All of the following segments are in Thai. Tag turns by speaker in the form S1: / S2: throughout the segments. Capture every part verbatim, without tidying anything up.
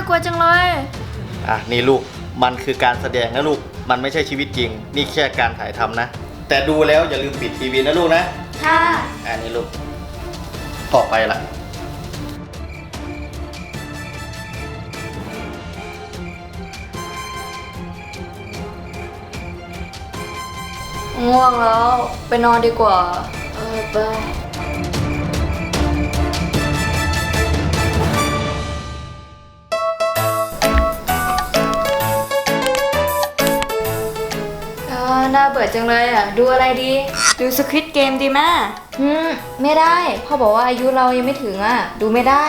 S1: ากลัวจังเลย
S2: อ่ะนี่ลูกมันคือการแสดงนะลูกมันไม่ใช่ชีวิตจริงนี่แค่การถ่ายทำนะแต่ดูแล้วอย่าลืมปิดทีวีนะลูกนะ
S1: ค่ะ
S2: อ่ะนี่ลูกต่อไปละ
S1: ง่วงแล้วไปนอนดีกว่าเออไปน่าเบื่อจังเลยอ่ะดูอะไรดีดูสควิดเกมดีไหมอืมไม่ได้พ่อบอกว่าอายุเรายังไม่ถึงอ่ะดูไม่ได้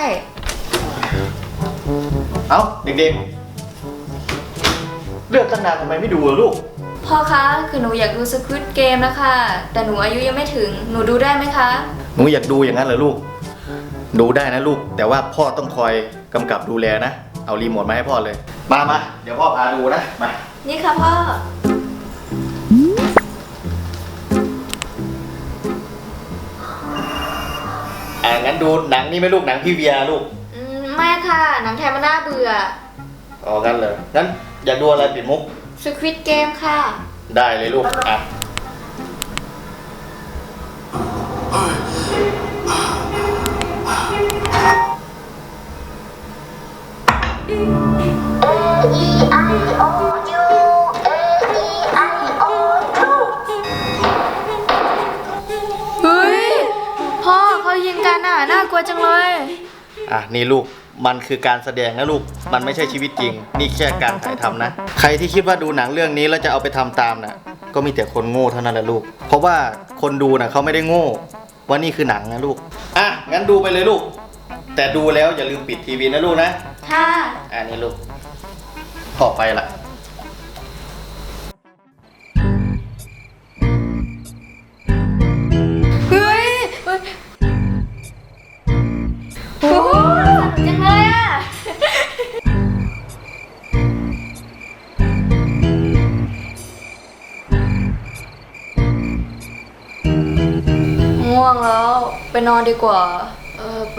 S2: เอ้าเด็กๆเลือกตั้งนานทำไมไม่ดูล่ะลูก
S1: พ่อคะคือหนูอยากดูสควิดเกมนะคะแต่หนูอายุยังไม่ถึงหนูดูได้ไหมคะ
S2: หนูอยากดูอย่างนั้นเหรอลูกดูได้นะลูกแต่ว่าพ่อต้องคอยกำกับดูแลนะเอารีโมทมาให้พ่อเลยมามาเดี๋ยวพ่อพาดูนะมา
S1: นี่ค่ะพ่อ
S2: อ่างั้นดูหนังนี่ไหมลูกหนังพี่เวียลูก
S1: อืมไม่ค่ะหนังไทยมันน่าเบื่อ
S2: อ๋องั้นเลยงั้นอยากดูอะไรปิดมุก
S1: สควิดเกมค่ะ
S2: ได้เลยลูกอ่ะ
S1: เฮ้ยพ่อเขายิงกันอ่ะน่ากลัวจังเลย
S2: อ่ะนี่ลูกมันคือการแสดงนะลูกมันไม่ใช่ชีวิตจริงนี่แค่การถ่ายทำนะใครที่คิดว่าดูหนังเรื่องนี้แล้วจะเอาไปทำตามนะก็มีแต่คนโง่เท่านั้นแหละลูกเพราะว่าคนดูนะเขาไม่ได้โง่ว่านี่คือหนังนะลูกอ่ะงั้นดูไปเลยลูกแต่ดูแล้วอย่าลืมปิดทีวีนะลูกนะ
S1: ค่ะ
S2: อ่ะนี่ลูกต่อไปละ
S1: เฮ้ยโอ้โหจังเลยอ่ะง่วงแล้วไปนอนดีกว่าเออไป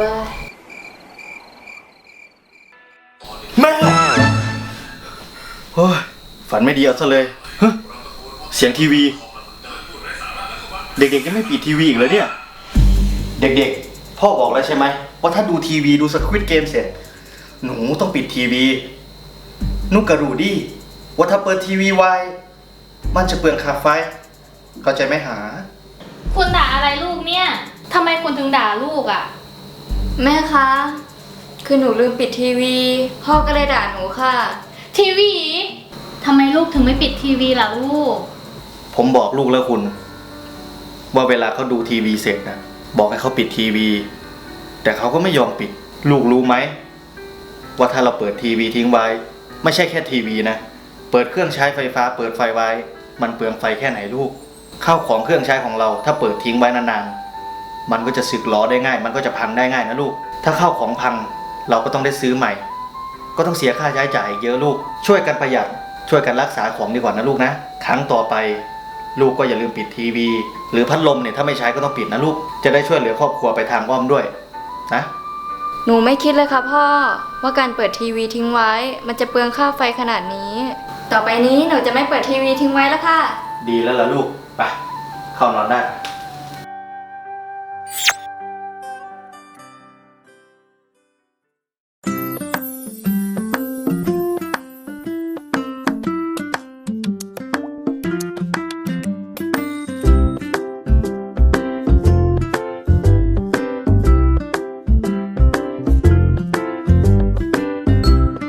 S2: แม่โอ้ยฝันไม่ดีเอาซะเลยเฮ้ยเสียงทีวีเด็กๆยังไม่ปิดทีวีอีกเลยเนี่ยเด็กๆพ่อบอกแล้วใช่ไหมว่าถ้าดูทีวีดูสควิดเกมเสร็จหนูต้องปิดทีวีนุกกระดูดิว่าถ้าเปิดทีวีไว้มันจะเปลืองค่าไฟเข้าใจไหมหา
S3: คุณด่าอะไรลูกเนี่ยทำไมคุณถึงด่าลูกอ่ะ
S1: แม่คะคือหนูลืมปิดทีวีพ่อก็เลยด่าหนูค่ะ
S3: ทีวีทำไมลูกถึงไม่ปิดทีวีล่ะลูก
S2: ผมบอกลูกแล้วคุณว่าเวลาเขาดูทีวีเสร็จนะบอกให้เขาปิดทีวีแต่เขาก็ไม่ยอมปิดลูกรู้ไหมว่าถ้าเราเปิดทีวีทิ้งไว้ไม่ใช่แค่ทีวีนะเปิดเครื่องใช้ไฟฟ้าเปิดไฟไว้มันเปลืองไฟแค่ไหนลูกข้าวของเครื่องใช้ของเราถ้าเปิดทิ้งไว้นานๆมันก็จะสึกหรอได้ง่ายมันก็จะพังได้ง่ายนะลูกถ้าข้าวของพังเราก็ต้องได้ซื้อใหม่ก็ต้องเสียค่าใช้จ่ายเยอะลูกช่วยกันประหยัดช่วยกันรักษาของดีกว่านะลูกนะครั้งต่อไปลูกก็อย่าลืมปิดทีวีหรือพัดลมเนี่ยถ้าไม่ใช้ก็ต้องปิดนะลูกจะได้ช่วยเหลือครอบครัวไปทางอ้อมด้วยนะ
S1: หนูไม่คิดเลยค่ะพ่อว่าการเปิดทีวีทิ้งไว้มันจะเปลืองค่าไฟขนาดนี้ต่อไปนี้หนูจะไม่เปิดทีวีทิ้งไว้แล้วค่ะ
S2: ดีแล้วล่ะลูกไปเข้านอนได้